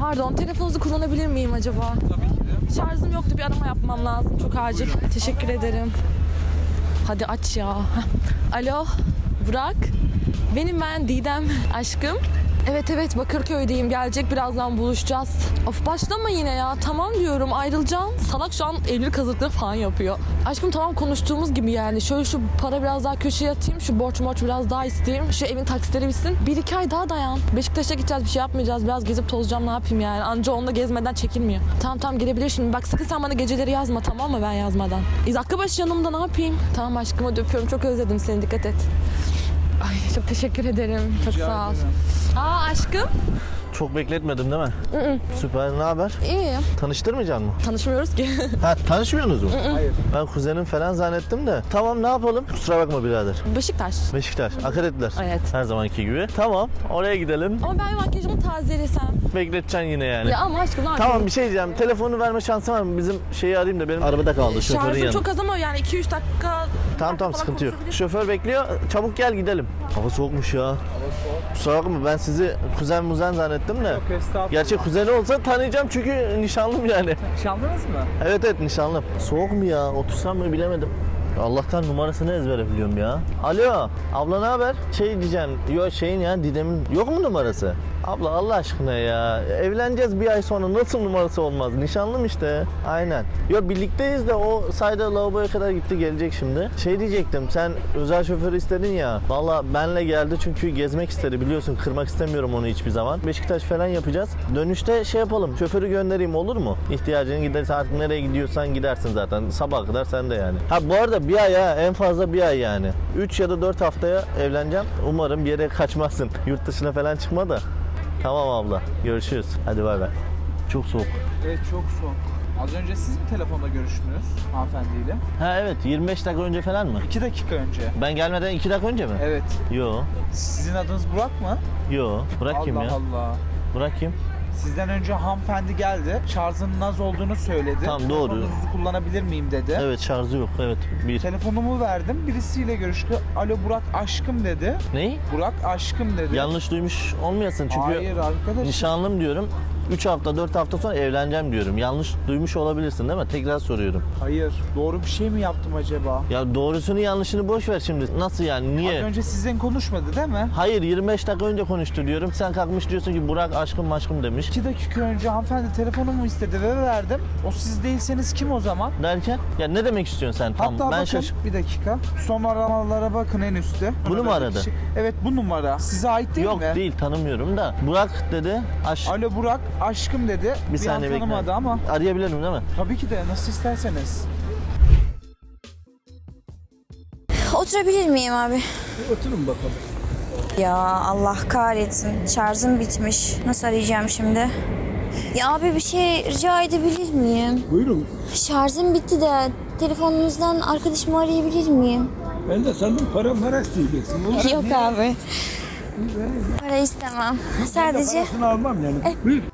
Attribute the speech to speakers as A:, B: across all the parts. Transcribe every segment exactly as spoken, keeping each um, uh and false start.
A: Pardon, telefonunuzu kullanabilir miyim acaba?
B: Tabii ki de.
A: Şarjım yoktu, bir arama yapmam lazım. Çok acil. Teşekkür ederim. Hadi aç ya. Alo, Burak. Benim ben Didem. Aşkım. Evet evet, Bakırköy'deyim. Gelecek, birazdan buluşacağız. Of başlama yine ya. Tamam diyorum, ayrılacağım. Salak şu an evlilik hazırlıkları falan yapıyor. Aşkım tamam, konuştuğumuz gibi yani. Şöyle şu para biraz daha köşeye atayım. Şu borç borç biraz daha isteyeyim. Şu evin taksitleri bitsin. Bir iki ay daha dayan. Beşiktaş'a gideceğiz, bir şey yapmayacağız. Biraz gezip tozacağım, ne yapayım yani. Anca onda gezmeden çekilmiyor. Tamam tamam, gelebilir şimdi. Bak sakın sen bana geceleri yazma, tamam mı, ben yazmadan. E, dakika başı yanımda, ne yapayım? Tamam aşkım, hadi öpüyorum. Çok özledim seni, dikkat et. Ay çok teşekkür ederim. Çok
B: Rica
A: sağ ol.
B: ederim.
A: Aa aşkım.
C: Çok bekletmedim değil mi?
A: Hı-hı.
C: Süper, ne haber?
A: İyi.
C: Tanıştırmayacak mısın?
A: Tanışmıyoruz ki.
C: Ha, tanışmıyorsunuz mu?
B: Hayır.
C: Ben kuzenim falan zannettim de. Tamam, ne yapalım? Kusura bakma birader.
A: Beşiktaş.
C: Beşiktaş, akaretler.
A: Evet.
C: Her zamanki gibi. Tamam, oraya gidelim.
A: Ama ben makyajımı tazelesem.
C: Bekleteceksin yine yani.
A: Ya ama aşkım ne yapayım?
C: Tamam, bir şey diyeceğim. Telefonu verme şansın var mı? Bizim şeyi arayayım da benim arabada kaldı, şoförün
A: Şarjım
C: yanında.
A: çok az ama yani iki üç dakika.
C: Tamam tamam, sıkıntı yok. Şoför bekliyor. Çabuk gel gidelim. Hava soğukmuş ya.
B: Hava soğuk.
C: Kusura bakma, ben sizi kuzen muzen zannettim de.
B: Yok estağfurullah.
C: Gerçek kuzeni olsa tanıyacağım çünkü nişanlım yani.
B: Nişanlınız mı?
C: Evet evet, nişanlım. Soğuk mu ya? Otursam mı bilemedim. Allah'tan numarasını ezbere biliyorum ya. Alo, abla ne haber? Şey diyeceğim, yok şeyin ya, Didem'in yok mu numarası? Abla Allah aşkına ya, evleneceğiz bir ay sonra, nasıl numarası olmaz? Nişanlım işte. Aynen. Yok birlikteyiz de o sayda lavaboya kadar gitti, gelecek şimdi. Şey diyecektim, sen özel şoförü istedin ya. Valla benle geldi çünkü gezmek istedi, biliyorsun, kırmak istemiyorum onu hiçbir zaman. Beşiktaş falan yapacağız. Dönüşte şey yapalım, şoförü göndereyim, olur mu? İhtiyacını gidersen artık, nereye gidiyorsan gidersin zaten. Sabaha kadar sen de yani. Ha bu arada bir ay ha, en fazla bir ay yani. üç ya da dört haftaya evleneceğim. Umarım bir yere kaçmazsın. Yurt dışına falan çıkma da. Tamam abla, görüşürüz. Hadi bay bay. Çok soğuk.
B: Evet çok soğuk. Az önce siz mi telefonda görüştünüz hanımefendiyle?
C: Ha evet, yirmi beş dakika önce falan mı?
B: iki dakika önce.
C: Ben gelmeden iki dakika önce mi?
B: Evet.
C: Yo.
B: Sizin adınız Burak mı?
C: Yo. Burak kim
B: Allah
C: ya?
B: Allah.
C: Burak kim?
B: Sizden önce hanımefendi geldi. Şarjının az olduğunu söyledi.
C: Tamam, doğru.
B: Telefonunuzu kullanabilir miyim dedi.
C: Evet, şarjı yok. Evet. Bir.
B: Telefonumu verdim. Birisiyle görüştü. Alo Burak aşkım dedi.
C: Neyi?
B: Burak aşkım dedi.
C: Yanlış duymuş olmayasın çünkü
B: Hayır arkadaş.
C: nişanlım diyorum. üç hafta dört hafta sonra evleneceğim diyorum. Yanlış duymuş olabilirsin değil mi? Tekrar soruyorum.
B: Hayır. Doğru bir şey mi yaptım acaba?
C: Ya doğrusunu yanlışını boş ver şimdi. Nasıl yani? Niye?
B: Az önce sizden konuşmadı değil mi?
C: Hayır, yirmi beş dakika önce konuştu diyorum. Sen kalkmış diyorsun ki Burak aşkım aşkım demiş.
B: iki dakika önce hanımefendi telefonumu istedi ve verdim. O siz değilseniz kim o zaman?
C: Derken? Ya ne demek istiyorsun sen? Tam
B: Hatta
C: ben
B: bakın
C: şaş...
B: bir dakika. Son aramalara bakın en üstte.
C: Bunu mu
B: Aradaki
C: aradı?
B: kişi- Evet bu numara. Size ait değil
C: Yok
B: mi?
C: değil, tanımıyorum da. Burak dedi. Aş...
B: Alo Burak aşkım dedi.
C: Bir saniye
B: an
C: bekle.
B: tanımadı ama.
C: Arayabilirim değil mi?
B: Tabii ki de nasıl isterseniz.
D: Oturabilir miyim abi?
B: Oturun bakalım.
D: Ya Allah kahretsin. Şarjım bitmiş. Nasıl arayacağım şimdi? Ya abi bir şey rica edebilir miyim?
E: Buyurun.
D: Şarjım bitti de telefonunuzdan arkadaşımı arayabilir miyim?
E: Ben de sandım para para isteyeceksin. Olur.
D: Yok abi. Para istemem. Sadece...
E: Parasını almam yani. Buyur.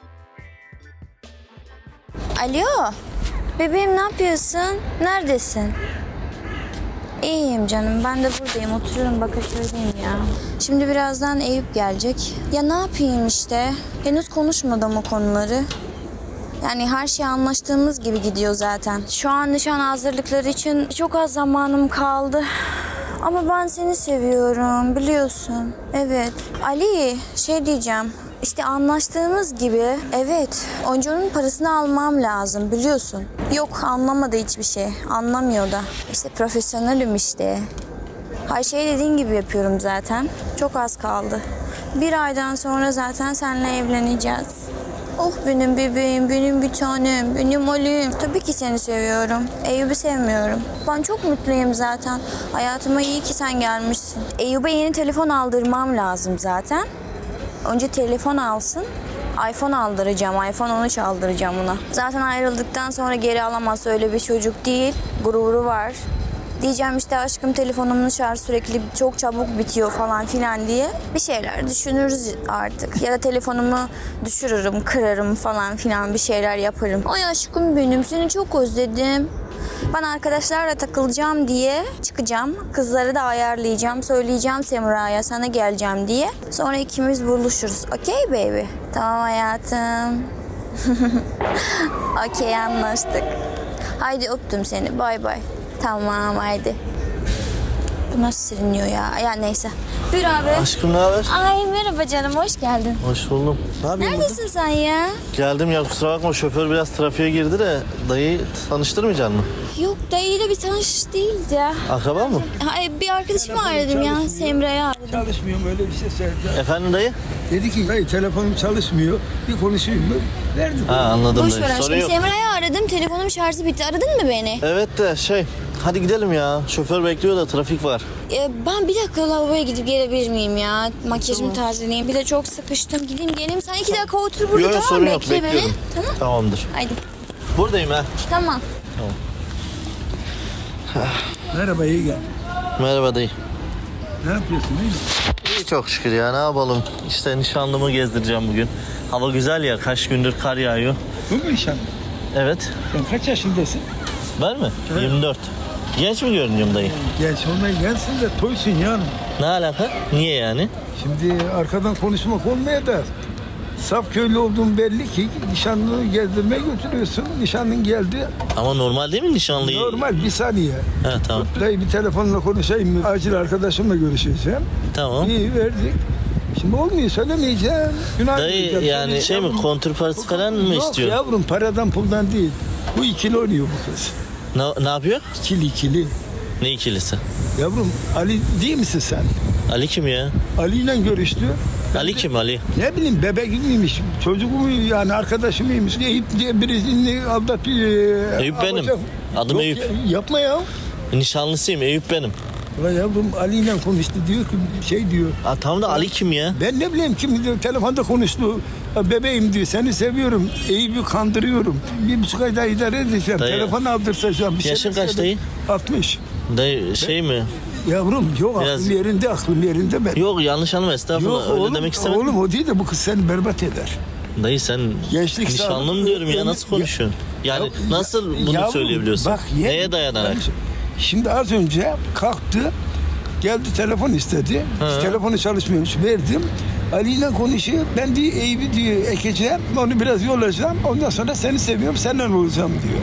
D: Alo. Bebeğim ne yapıyorsun? Neredesin? İyiyim canım. Ben de buradayım. Oturuyorum Bakırköy'deyim ya. Şimdi birazdan Eyüp gelecek. Ya ne yapayım işte. Henüz konuşmadım o konuları. Yani her şey anlaştığımız gibi gidiyor zaten. Şu an nişan hazırlıkları için çok az zamanım kaldı. Ama ben seni seviyorum biliyorsun. Evet. Ali şey diyeceğim. İşte anlaştığımız gibi evet oyuncunun parasını almam lazım biliyorsun. Yok anlamadı hiçbir şey. Anlamıyor da. İşte profesyonelim işte. Her şeyi dediğin gibi yapıyorum zaten. Çok az kaldı. Bir aydan sonra zaten seninle evleneceğiz. Oh benim bebeğim, benim bir tanem, benim Ali'm. Tabii ki seni seviyorum. Eyüp'ü sevmiyorum. Ben çok mutluyum zaten. Hayatıma iyi ki sen gelmişsin. Eyüp'e yeni telefon aldırmam lazım zaten. Önce telefon alsın. iPhone aldıracağım. iPhone on üç aldıracağım ona. Zaten ayrıldıktan sonra geri alamaz, öyle bir çocuk değil. Gururu var. Diyeceğim işte aşkım telefonumun şarjı sürekli çok çabuk bitiyor falan filan diye. Bir şeyler düşünürüz artık. Ya da telefonumu düşürürüm, kırarım falan filan bir şeyler yaparım. Ay aşkım benim seni çok özledim. Ben arkadaşlarla takılacağım diye çıkacağım. Kızları da ayarlayacağım. Söyleyeceğim Semra'ya sana geleceğim diye. Sonra ikimiz buluşuruz. Okey baby? Tamam hayatım. Okey anlaştık. Haydi öptüm seni. Bay bay. Tamam haydi. Bu nasıl siliniyor ya? Ya neyse. Buyur abi.
C: Aşkım ne haber?
D: Ay merhaba canım hoş geldin.
C: Hoş buldum. Ne yapıyorsun burada?
D: Neredesin sen ya?
C: Geldim ya, kusura bakma, şoför biraz trafiğe girdi de dayıyı tanıştırmayacaksın mı?
D: Yok dayıyla bir tanış değiliz ya.
C: Akraba mı?
D: Ay, bir arkadaşımı aradım ya.
E: çalışmıyor.
D: Semra'yı aradım.
E: Çalışmıyorum öyle bir şey söyledi.
C: Efendim dayı?
E: Dedi ki hayır telefonum çalışmıyor. Bir konuşayım mı? Verdi.
C: Ha anladım
D: Boş ver
C: dayı. Sorun
D: aşkım.
C: yok.
D: Semra'yı aradım. Telefonum şarjı bitti. Aradın mı beni?
C: Evet de şey, hadi gidelim ya. Şoför bekliyor da trafik var.
D: Ee, ben bir dakika lavaboya gidip gelebilir miyim ya? Makyajımı tazeleyeyim. Bir de çok sıkıştım. Gideyim geleyim. Sen iki dakika otur burada
C: Yok yok,
D: tamam
C: sorun
D: mı?
C: yok,
D: Bekle beni.
C: bekliyorum.
D: Tamam.
C: Tamamdır.
D: Haydi.
C: Buradayım ha.
D: Tamam.
E: Merhaba iyi gel.
C: Merhaba dayı.
E: Ne yapıyorsun iyi mi?
C: İyi çok şükür ya, ne yapalım. İşte nişanlımı gezdireceğim bugün. Hava güzel ya, kaç gündür kar yağıyor.
E: Bu mu nişan?
C: Evet.
E: Sen kaç yaşındasın?
C: Ben mi? yirmi dört. Genç mi görünüyorum dayı?
E: Genç olmaya gelsin de toysun yani.
C: Ne alaka? Niye yani?
E: Şimdi arkadan konuşmak olmaya da saf köylü olduğun belli ki nişanlını gezdirmeye götürüyorsun. Nişanlın geldi.
C: Ama normal değil mi nişanlıyı?
E: Normal bir saniye.
C: Ha tamam.
E: Dayı bir telefonla konuşayım mı? Acil arkadaşımla görüşeceğim.
C: Tamam.
E: İyi verdik. Şimdi olmuyor söylemeyeceğim. Günah
C: Dayı
E: diyeceğim.
C: yani
E: Söyleyeceğim.
C: şey mi, kontür parası falan mı
E: Yok
C: istiyor?
E: yavrum paradan puldan değil. Bu ikili oynuyor bu kız.
C: Ne, ne yapıyor?
E: İkili ikili.
C: Ne ikilisi?
E: Yavrum Ali değil misin sen?
C: Ali kim ya?
E: Ali ile görüştü. Ben
C: Ali
E: de-
C: kim Ali?
E: Ne bileyim bebek miymiş, çocuk mu yani arkadaşı mıymış? Eyüp diye birisini aldatıyor.
C: Eyüp benim.
E: alacak.
C: Adım
E: Yok
C: Eyüp.
E: ya, yapma ya.
C: Nişanlısıyım, Eyüp benim.
E: Ulan yavrum Ali ile konuştu diyor ki şey diyor.
C: Aa, tamam da Ali kim ya?
E: Ben ne bileyim kim diyor telefonda konuştu. "Ya bebeğim diyor seni seviyorum. Eyüp'ü kandırıyorum. Bir buçuk ayda idare edeceğim.
C: Dayı.
E: Telefon aldırsacağım. Bir
C: Yaşın
E: şeyler
C: kaç
E: söyle."
C: dayı?
E: altmış.
C: Dayı şey mi?
E: Yavrum yok
C: Biraz-
E: aklım yerinde aklım yerinde ben.
C: Yok yanlış anlama, estağfurullah,
E: Yok
C: öyle
E: oğlum,
C: demek istemedim.
E: oğlum o değil de bu kız seni berbat eder.
C: Dayı sen
E: Gençlik
C: nişanlım
E: sağlığı-
C: diyorum ya,
E: Ya-
C: nasıl konuşuyorsun? Yani
E: Ya-
C: nasıl bunu
E: Yavrum,
C: söyleyebiliyorsun?
E: bak, ye-
C: Neye dayanarak?
E: Ben- Şimdi az önce kalktı, geldi telefon istedi.
C: Hı.
E: Telefonu çalışmıyormuş, verdim. Ali ile konuşuyor. Ben diyor Eyüp'ü diyor ekeceğim, onu biraz yollayacağım. Ondan sonra seni seviyorum, senden olacağım diyor.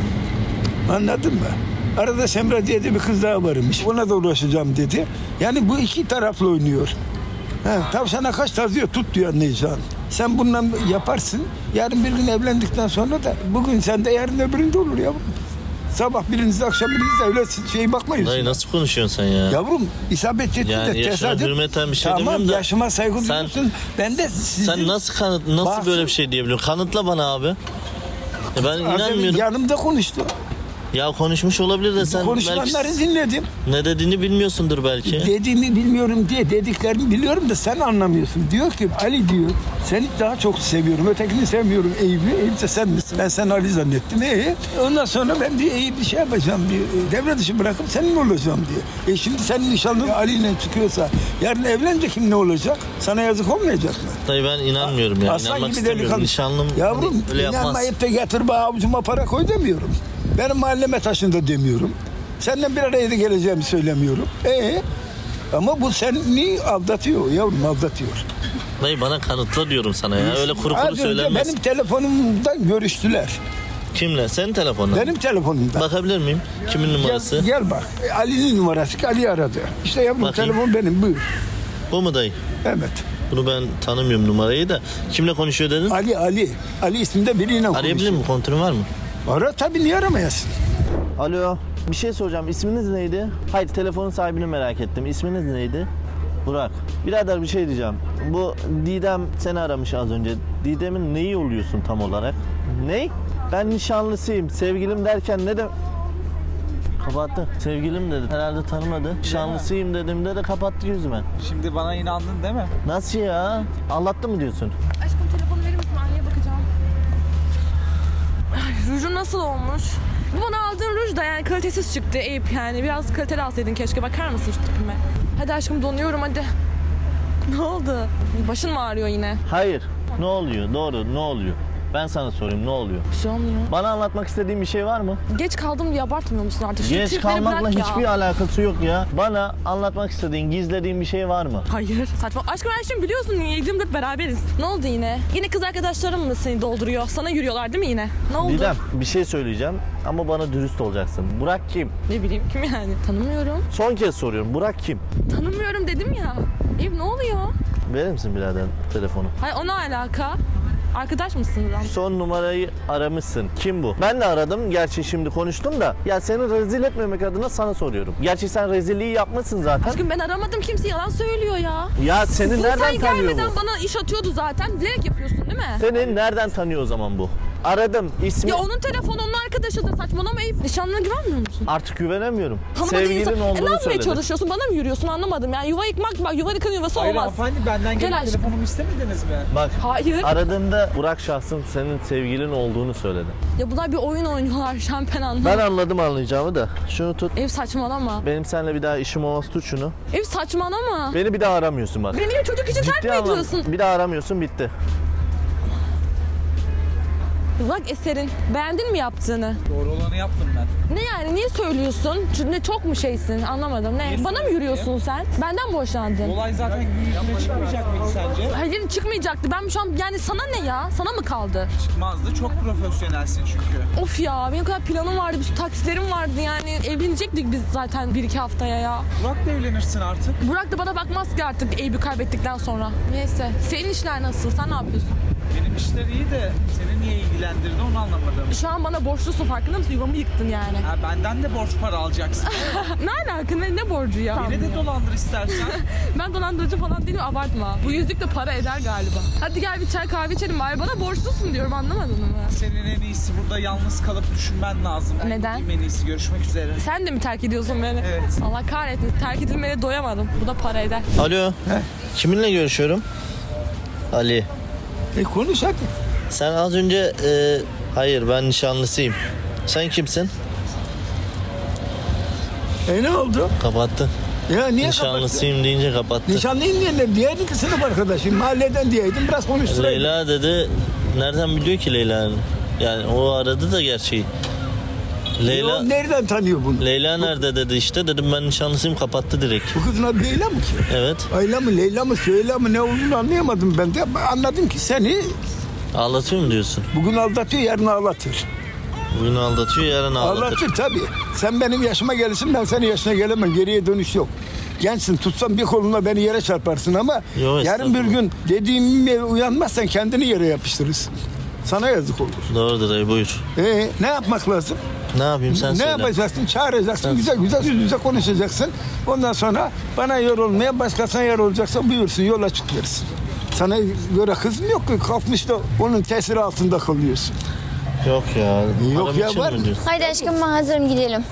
E: Anladın mı? Arada Semra diye de bir kız daha varmış. Ona da uğraşacağım dedi. Yani bu iki taraflı oynuyor. Ha, tavşana kaç taz diyor, tut diyor anlayacağın. Sen bundan yaparsın. Yarın bir gün evlendikten sonra da bugün sende yarın öbüründe olur yavrum. Sabah birinizde akşam birinizde öyle şey bakmayız.
C: Dayı nasıl konuşuyorsun sen ya?
E: Yavrum isabet etti
C: Yani
E: de
C: yaşına
E: tesadüf.
C: hürmeten bir şey
E: tamam,
C: demiyorum da
E: yaşıma saygı
C: sen-
E: duyuyorsun. Ben de sizin...
C: Sen nasıl kanıt, nasıl
E: Bak-
C: böyle bir şey diyebiliyorsun? Kanıtla bana abi. Ya ben
E: Az önce
C: inanmıyorum.
E: yanımda konuştu.
C: Ya konuşmuş olabilir de sen
E: Konuşulanları
C: belki
E: dinledim.
C: ne dediğini bilmiyorsundur belki.
E: Dediğimi bilmiyorum diye dediklerini biliyorum da sen anlamıyorsun. Diyor ki Ali diyor seni daha çok seviyorum. Ötekini sevmiyorum Eyüp'ü. Eyüp de sen misin? Ben seni Ali zannettim. E, ondan sonra ben diyor Eyüp'ü şey yapacağım diyor. Devre dışı bırakıp senin olacağım diyor. E şimdi senin nişanlın Ali ile çıkıyorsa yarın evlenince kim ne olacak? Sana yazık olmayacak mı?
C: Dayı ben inanmıyorum ya.
E: Aslan
C: İnanmak
E: gibi
C: istemiyorum.
E: delikanlı.
C: Nişanlım
E: Yavrum
C: hani öyle yapmaz.
E: inanmayıp da getir bana avucuma para koy demiyorum. Benim mahalleme taşında demiyorum. Seninle bir araya da geleceğimi söylemiyorum. Ee, ama bu seni aldatıyor yavrum aldatıyor.
C: Dayı bana kanıtla diyorum sana ya. Öyle kuru
E: Az
C: kuru
E: önce
C: söylenmez.
E: benim telefonumdan görüştüler.
C: Kimle? Senin telefonla.
E: Benim telefonumdan.
C: Bakabilir miyim? Kimin numarası?
E: Gel, gel bak. Ali'nin numarası. Ali aradı. İşte yavrum
C: Bakayım.
E: telefon benim buyur.
C: Bu mu dayı?
E: Evet.
C: Bunu ben tanımıyorum numarayı da. Kimle konuşuyor dedin?
E: Ali Ali. Ali isminde biriyle
C: Arayabilir
E: konuşuyor.
C: mi? Kontürün var mı?
E: Ara tabii niye aramayasın?
C: Alo. Bir şey soracağım. İsminiz neydi? Hayır, telefonun sahibini merak ettim. İsminiz neydi? Burak. Birader bir şey diyeceğim. Bu Didem seni aramış az önce. Didem'in neyi oluyorsun tam olarak? Ney? Ben nişanlısıyım. Sevgilim derken ne de... Kapattı. Sevgilim dedi. Herhalde tanımadı. Nişanlısıyım dediğimde de kapattı yüzüme.
B: Şimdi bana inandın değil mi?
C: Nasıl ya? Anlattı mı diyorsun?
A: Aşkım telefonu verir misin? Anneye bakacağım. Ay, rujun nasıl olmuş? Bu bana aldığın ruj da yani kalitesiz çıktı Eyüp yani. Biraz kaliteli alsaydın keşke, bakar mısın şu tipime? Hadi aşkım donuyorum hadi. Ne oldu? Başın mı ağrıyor yine?
C: Hayır. Ne oluyor? Doğru, ne oluyor? Ben sana sorayım, ne oluyor?
A: Bir şey olmuyor.
C: Bana anlatmak istediğin bir şey var mı?
A: Geç kaldım diye abartmıyor musun artık? Şu
C: Geç
A: tripleri
C: kalmakla
A: bırak ya.
C: hiçbir alakası yok ya. Bana anlatmak istediğin, gizlediğin bir şey var mı?
A: Hayır. Saçma. Aşkım ben şimdi biliyorsun yediğimde beraberiz. Ne oldu yine? Yine kız arkadaşlarım mı seni dolduruyor? Sana yürüyorlar değil mi yine? Ne oldu?
C: Didem, bir şey söyleyeceğim ama bana dürüst olacaksın. Burak kim?
A: Ne bileyim kim yani? Tanımıyorum.
C: Son kez soruyorum. Burak kim?
A: Tanımıyorum dedim ya. Eyüp ne oluyor?
C: Verir misin birader telefonu?
A: Hayır o ne alaka? Arkadaş mısınız lan?
C: Son numarayı aramışsın. Kim bu? Ben de aradım. Gerçi şimdi konuştum da. Ya seni rezil etmemek adına sana soruyorum. Gerçi sen rezilliği yapmışsın zaten.
A: Aşkım ben aramadım, kimse yalan söylüyor ya.
C: Ya seni
A: Bu
C: nereden
A: sen
C: tanıyor
A: gelmeden
C: bu?
A: bana iş atıyordu zaten. Bilerek yapıyorsun değil mi?
C: Seni nereden tanıyor o zaman bu? Aradım. İsmi...
A: Ya onun telefonu onun arkadaşıdır, saçmalama Eyüp. Nişanlına güvenmiyor musun?
C: Artık güvenemiyorum.
A: Tanımadığın
C: Sevgilin
A: insan- E, ne
C: olduğunu
A: yapmaya
C: söyledi.
A: çalışıyorsun? Bana mı yürüyorsun anlamadım. Yani yuva yıkmak bak, yuva yıkan yuvası
B: Hayır
A: olmaz.
B: hanımefendi, benden
A: Gel
B: gelip
A: aşkım.
B: telefonumu istemediniz mi?
C: Bak
A: Hayır.
C: aradığında Burak şahsın senin sevgilin olduğunu söyledi.
A: Ya bunlar bir oyun oynuyorlar şampen anlamı.
C: Ben anladım anlayacağımı da. Şunu tut.
A: Eyüp saçmalama.
C: Benim seninle bir daha işim olmaz, tut şunu.
A: Eyüp saçmalama.
C: Beni bir daha aramıyorsun bak.
A: Beni çocuk için terk mi
C: anlam-
A: ediyorsun?
C: Bir daha aramıyorsun, bitti.
A: Bak Eser'in. Beğendin mi yaptığını?
B: Doğru olanı yaptım ben.
A: Ne yani? Niye söylüyorsun? Çünkü ne çok mu şeysin? Anlamadım. Ne?
B: Niye
A: Bana mı
B: söylüyorsun
A: yürüyorsun sen? Benden mi hoşlandın?
B: Olay zaten gün yüzüne çıkmayacak mıydı sence?
A: Hayır çıkmayacaktı. Ben şu an yani sana ne ya? Sana mı kaldı?
B: Çıkmazdı. Çok profesyonelsin çünkü.
A: Of ya benim kadar planım vardı, bir sürü taksitlerim vardı yani. Evlenecektik biz zaten bir iki haftaya ya.
B: Burak da evlenirsin artık.
A: Burak da bana bakmaz ki artık Eyüp'ü kaybettikten sonra. Neyse. Senin işler nasıl? Sen ne yapıyorsun?
B: Benim işler iyi de seni niye ilgilendirdi onu anlamadım.
A: Şu an bana borçlusun, farkında mısın? Yuvamı yıktın yani.
B: Ha, benden de borç para alacaksın.
A: Ne alaka? Ne, ne borcu ya?
B: Beni de dolandır istersen.
A: Ben dolandırıcı falan değilim, abartma. Bu yüzük de para eder galiba. Hadi gel bir çay kahve içelim bari. Bana borçlusun diyorum, anlamadın mı?
B: Senin en iyisi burada yalnız kalıp düşünmen lazım. Ben
A: Neden?
B: gideyim, en iyisi görüşmek üzere.
A: Sen de mi terk ediyorsun beni?
B: Evet.
A: Allah kahretsin. Terk edilmeye doyamadım. Bu da para eder.
C: Alo. Kiminle görüşüyorum? Ali.
E: E konuş hadi.
C: Sen az önce... e, hayır, ben nişanlısıyım. Sen kimsin?
E: E ne oldu?
C: Kapattın.
E: Ya niye
C: Nişanlısıyım deyince kapattın.
E: kapattın? Nişanlıyım diye ne? Diğerdi ki sınıf arkadaşım. Mahalleden diyeydim. Biraz konuşturaydım.
C: Leyla dedi. Nereden biliyor ki Leyla'nın? Yani o aradı da gerçeği. Leyla...
E: O nereden tanıyor bunu?
C: Leyla nerede dedi işte. Dedim ben nişanlısıyım, kapattı direkt.
E: Bu kızın adı Leyla mı ki?
C: Evet.
E: Ayla mı, Leyla mı, Süheyla mı ne olduğunu anlayamadım ben de. Anladım ki seni
C: Ağlatıyor mu diyorsun?
E: bugün aldatıyor, yarın ağlatır.
C: Bugün aldatıyor, yarın ağlatır.
E: Ağlatır tabii. Sen benim yaşıma gelirsin, ben senin yaşına gelemem. Geriye dönüş yok. Gençsin, tutsam bir koluna beni yere çarparsın ama
C: Yo,
E: yarın bir
C: estağfurullah.
E: gün dediğime uyanmazsan kendini yere yapıştırırsın. Sana yazık olur.
C: Doğrudur dayı, buyur.
E: Ee, ne yapmak lazım?
C: Ne yapayım sen
E: ne
C: söyle.
E: yapacaksın? Çağıracaksın, güzel güzel yüz yüze konuşacaksın. Ondan sonra bana yer olmaya, başkasına yer olacaksa buyursun, yola çık versin. Sana göre kızım yok ki, kalkmış da onun tesiri altında kalıyorsun.
C: Yok ya.
E: Yok
C: param
E: ya,
C: için
E: var
C: mi
E: mı?
C: diyorsun?
D: Haydi aşkım ben hazırım gidelim.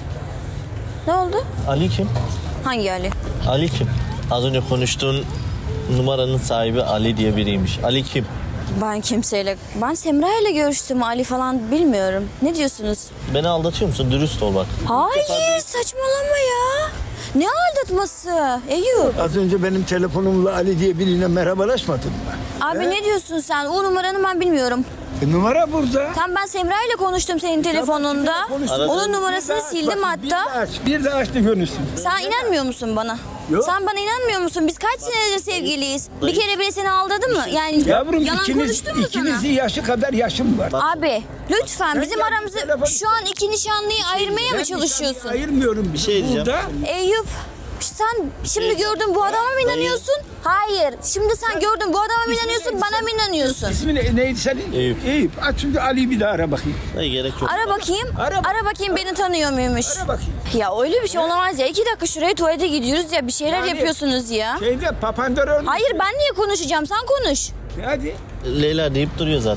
D: Ne oldu?
C: Ali kim?
D: Hangi Ali?
C: Ali kim? Az önce konuştuğun numaranın sahibi Ali diye biriymiş. Ali kim?
D: Ben kimseyle... Ben Semra ile görüştüm. Ali falan bilmiyorum. Ne diyorsunuz?
C: Beni aldatıyor musun? Dürüst ol bak.
D: Hayır saçmalama ya. Ne aldatması? Eyüp.
E: Az önce benim telefonumla Ali diye biriyle merhabalaşmadın mı?
D: Abi ne diyorsun sen? O numaranı ben bilmiyorum.
E: E, numara burada.
D: Tam ben Semra ile konuştum senin telefonunda.
E: konuştum.
D: Onun numarasını
E: Bir de aç,
D: sildim
E: bak, Bir de
D: hatta.
E: aç, bir de aç da görürsün.
D: Sen inanmıyor musun bana?
E: Yok.
D: Sen bana inanmıyor musun? Biz kaç senedir sevgiliyiz? Bir kere bile seni aldadı mı? Yani
E: Yavrum
D: yalan
E: ikiniz,
D: konuştun mu sana?
E: ikinizin yaşı kadar yaşım var.
D: Abi lütfen bizim
E: gel,
D: aramızı
E: telefon-
D: şu an iki nişanlıyı ayırmaya mı
E: Ben
D: çalışıyorsun?
E: nişanlıyı ayırmıyorum bir
C: şey diyeceğim.
E: Burada
D: Eyüp sen şimdi gördün bu adama mı inanıyorsun? Hayır. Şimdi sen gördün bu adama mı inanıyorsun? Bana mı inanıyorsun?
E: ismi ne, neydi senin?
C: Eyüp.
E: Eyüp. Aç şimdi Ali'yi bir daha ara bakayım.
C: Dayı gerek yok.
D: Ara bakayım.
E: Ara bak-
D: Ara bakayım beni tanıyor muymuş?
E: Ara bakayım.
D: Ya öyle bir şey olamaz ya. İki dakika şuraya tuvalete gidiyoruz ya. Bir şeyler
E: Yani-
D: yapıyorsunuz ya.
E: Şeyde Papandreou.
D: Hayır ben niye konuşacağım? Sen konuş.
E: Hadi.
C: Leyla deyip duruyor zaten.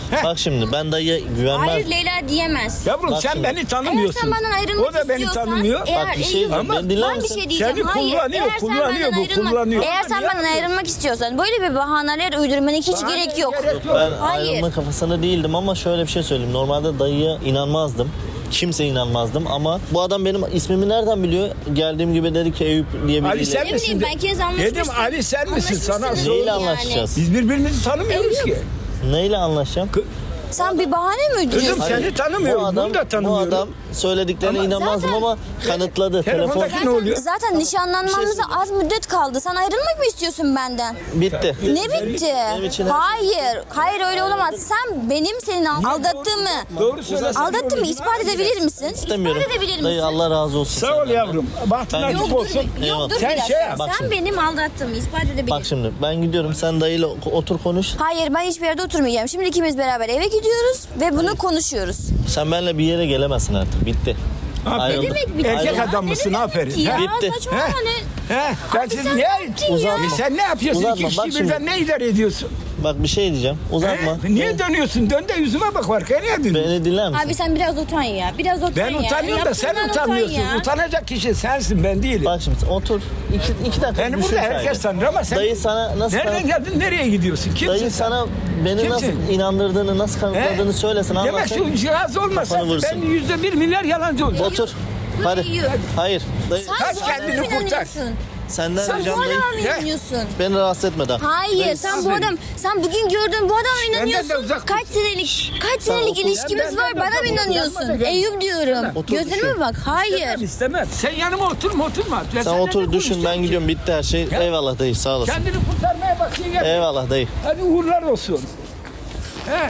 C: Bak şimdi ben dayıya güvenmez.
D: Hayır Leyla diyemez.
E: Yavrum
C: Bak
E: sen
C: şimdi.
E: beni
D: Eğer
E: tanımıyorsun.
D: sen benden ayrılmak
E: O da beni
D: istiyorsan,
E: tanımıyor.
D: Eğer
C: Bak bir şey
D: Eyüp-
C: diyeceğim. Beni dinler
D: ben bir
C: misin?
D: şey diyeceğim.
E: Seni
D: Hayır.
E: kullanıyor,
D: Eğer sen
E: kullanıyor
D: benden
E: bu,
D: ayrılmak,
E: kullanıyor.
D: Eğer sen benden ayrılmak istiyorsan böyle bir bahaneler uydurmana hiç
E: Bahane
D: gerek yok.
E: gerek yok.
C: Ben
D: Hayır.
C: ayrılma kafasında değildim ama şöyle bir şey söyleyeyim. Normalde dayıya inanmazdım. Kimse inanmazdım ama bu adam benim ismimi nereden biliyor? Geldiğim gibi dedi ki Eyüp diye
E: Ali
C: biriyle.
E: sen
D: Ne
E: misin?
D: bileyim ben kez anlaşmışsın.
E: Dedim Ali sen misin? Sana
D: Anlaşmışsınız
E: sor.
C: Neyle
D: yani.
C: anlaşacağız?
E: Biz birbirimizi tanımıyoruz ki.
C: Neyle anlaşacağım?
D: Sen bir bahane mi uyduruyorsun?
E: Kızım seni tanımıyorum.
C: Bu adam,
E: Bunu da
C: bu
E: tanımıyorum.
C: adam söylediklerine
E: Ama
C: inanmazdım
D: zaten-
C: ama kanıtladı. Telefon
E: Telefondaki ne oluyor?
D: Zaten nişanlanmamıza
C: Bir şey
D: az müddet kaldı. Sen ayrılmak mı istiyorsun benden?
C: bitti.
D: Ne bitti?
C: Benim için her-
D: Hayır. Hayır öyle olamaz. Sen benim senin aldattığımı
E: Doğru söylesen.
D: aldattığımı ispat edebilir misin?
C: İstemiyorum.
D: İspat edebilir
C: Dayı
D: misin?
C: Allah razı olsun.
E: Sağ ol
C: senden.
E: yavrum. Bahtın
C: Ben-
E: açık
C: Yok,
E: olsun.
C: Eyvallah.
D: Dur
E: Sen
D: bir dakika.
E: şey yap.
C: Bak
D: Sen
C: şimdi.
D: benim aldattığımı ispat edebilirsin.
C: Bak şimdi ben gidiyorum sen dayıyla otur konuş.
D: Hayır ben hiçbir yerde oturmayacağım. Şimdi ikimiz beraber eve gidiyoruz ve bunu konuşuyoruz.
C: Sen benimle bir yere gelemezsin artık. Bitti.
E: Aferin.
C: Ayrıldık.
D: Ne demek bitti?
E: Erkek
D: ya?
E: adam
D: Ne
E: mısın?
D: demek
E: Aferin.
D: bitti Ya,
C: Bitti.
D: saçmalama
E: He?
D: ne?
E: He? Ben
D: Abi
E: siz
D: sen
E: ne?
D: ne yaptın ya?
E: E sen ne yapıyorsun?
C: Uzatma,
E: İki
C: bak
E: kişi
C: şimdi.
E: birden ne idare ediyorsun?
C: Bak bir şey diyeceğim. Uzatma.
E: He? Niye dönüyorsun? Dön de yüzüme bak var. Nereye dönüyorsun?
C: Beni dinler misin?
D: Abi sen biraz utan ya. Biraz utan
E: Ben
D: ya.
E: utanıyorum da sen
D: Yaptığından utan
E: utanmıyorsun.
D: ya.
E: Utanacak kişi sensin, ben değilim.
C: Bak şimdi otur. İki, iki dakika
E: Beni
C: düşün
E: burada
C: sadece.
E: herkes tanır ama sen
C: Dayı sana nasıl
E: nereden
C: kanıt-
E: geldin, nereye gidiyorsun? Kimsin
C: Dayı
E: sen?
C: sana beni
E: Kimsin?
C: nasıl inandırdığını, nasıl kanıtladığını
E: He?
C: söylesin.
E: Demek
C: anlatsın.
E: şu cihaz olmasa
C: Kafanı vursun.
E: ben yüzde bir milyar yalancı olacağım.
C: Otur. Hadi.
D: Yürü.
C: Hayır. Dayı.
D: Sen
E: Kaç
D: bu adama
E: kendini
D: mı
E: kurtar.
D: inanıyorsun?
C: Senden
D: Sen bu
C: ricam dayı.
D: adama mı
E: He?
D: inanıyorsun?
C: Beni rahatsız etme daha.
D: Hayır sen bu
E: aferin.
D: adam sen bugün gördüğün bu adama mı
E: Benden de
D: inanıyorsun?
E: uzak
D: Kaç
E: dur.
D: senelik kaç senelik
C: otur.
D: ilişkimiz
E: Benden
D: var
E: de
D: bana
E: uzak
D: mı
E: dur.
D: inanıyorsun?
E: Yanma da gel.
D: Eyüp diyorum.
C: Otur,
D: Gözlerime
C: düşün.
D: bak. Hayır.
E: İstemem, istemem. Sen yanıma oturma, oturma. Ben
C: Sen
E: seninle
C: otur
E: ne
C: düşün ben
E: konuşacağım
C: gidiyorum bitti her şey.
E: Ya.
C: Eyvallah dayı sağ
E: ki?
C: olasın.
E: Kendini kurtarmaya bak. Gel.
C: Eyvallah dayı.
E: Hadi uğurlar olsun. He.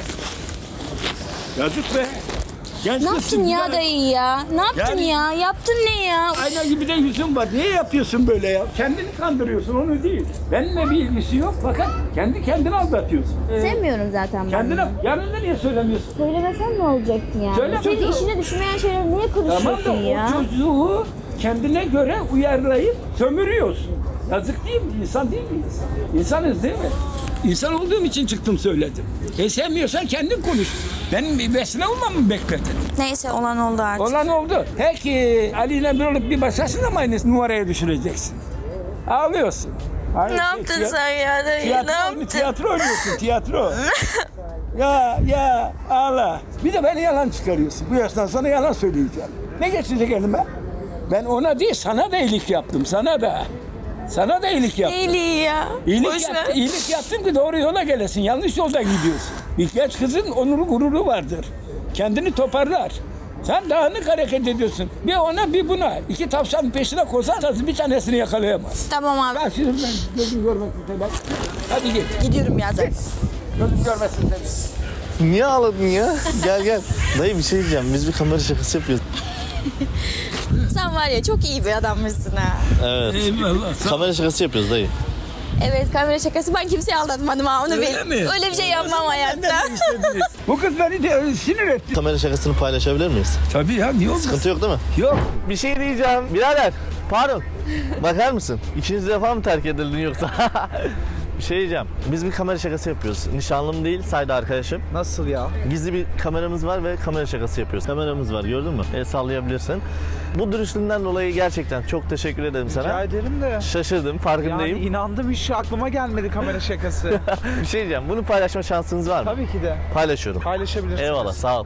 E: Yazık be. Genç
D: Ne
E: kızsın,
D: yaptın ya
E: güzel.
D: dayı ya? Ne yaptın
E: Yani-
D: ya? Yaptın ne ya?
E: Ayna gibi de yüzün var. Niye yapıyorsun böyle ya? Kendini kandırıyorsun, onu değil. Benimle bir ilgisi yok fakat kendi kendini aldatıyorsun.
D: Sevmiyorum zaten ben.
E: Kendine, yanında niye söylemiyorsun?
D: Söylemesen ne olacaktı yani?
E: Söyle
D: Senin
E: çocuğum.
D: işine düşmeyen şeyleri niye
E: Tamam da
D: konuşuyorsun ya?
E: o çocuğu kendine göre uyarlayıp sömürüyorsun. Yazık değil mi? İnsan değil miyiz? İnsanız değil mi? İnsan olduğum için çıktım söyledim. E sevmiyorsan kendin konuş. Benim bir vesile olmamı bekledin.
D: Neyse olan oldu artık.
E: Olan oldu. Peki Ali ile bir olup bir başkasını mı aynı numaraya düşüreceksin? Ağlıyorsun. Aynı
D: Ne
E: şey,
D: yaptın
E: tiyat-
D: sen ya dayı?
E: Tiyatro,
D: Ne
E: oyunu,
D: yaptın?
E: tiyatro oynuyorsun, tiyatro. ya ya ağla. Bir de beni yalan çıkarıyorsun. Bu yaştan sonra yalan söyleyeceğim. Ne geçecek elime? Ben ona değil, sana da iyilik yaptım, sana da. Sana da iyilik yaptım.
D: İyiliği ya.
E: İyilik,
D: Boş
E: yap,
D: ver.
E: iyilik yaptım ki doğru yola gelesin. Yanlış yolda gidiyorsun. Bir genç kızın onuru gururu vardır. Kendini toparlar. Sen dağınık hareket ediyorsun. Bir ona bir buna. İki tavşanın peşine koşarsanız bir tanesini yakalayamaz.
D: Tamam abi.
E: Bak şimdi ben gözüm görmesin seni. Hadi git.
D: Gidiyorum ya zaten.
E: Gözüm görmesin seni.
C: Niye ağladın ya? Gel gel. Dayı bir şey diyeceğim. Biz bir kamera şakası yapıyoruz.
D: Sen var ya çok iyi bir adammışsın ha.
C: Evet.
E: Eyvallah.
C: Kamera şakası yapıyoruz dayı.
D: Evet kamera şakası ben kimseyi aldatmadım ha onu
E: Öyle
D: bil.
E: mi?
D: Öyle bir şey yapmam hayatta.
E: Bu kız beni de sinir etti.
C: Kamera şakasını paylaşabilir miyiz?
E: Tabii ya niye olmaz?
C: Sıkıntı yok değil mi?
E: Yok.
C: Bir şey diyeceğim. Birader. Pardon. Bakar mısın? İkinci defa mı terk edildin yoksa? Bir şey diyeceğim. Biz bir kamera şakası yapıyoruz. Nişanlım değil, sayda arkadaşım.
B: Nasıl ya?
C: Gizli bir kameramız var ve kamera şakası yapıyoruz. Kameramız var gördün mü? El sallayabilirsin. Bu dürüstlüğünden dolayı gerçekten çok teşekkür ederim
B: Rica
C: sana.
B: ederim de.
C: Şaşırdım, farkındayım.
B: Yani inandım hiç aklıma gelmedi kamera şakası.
C: Bir şey diyeceğim. Bunu paylaşma şansınız var mı?
B: Tabii ki de.
C: Paylaşıyorum.
B: Paylaşabilirsiniz.
C: Eyvallah, sağ ol.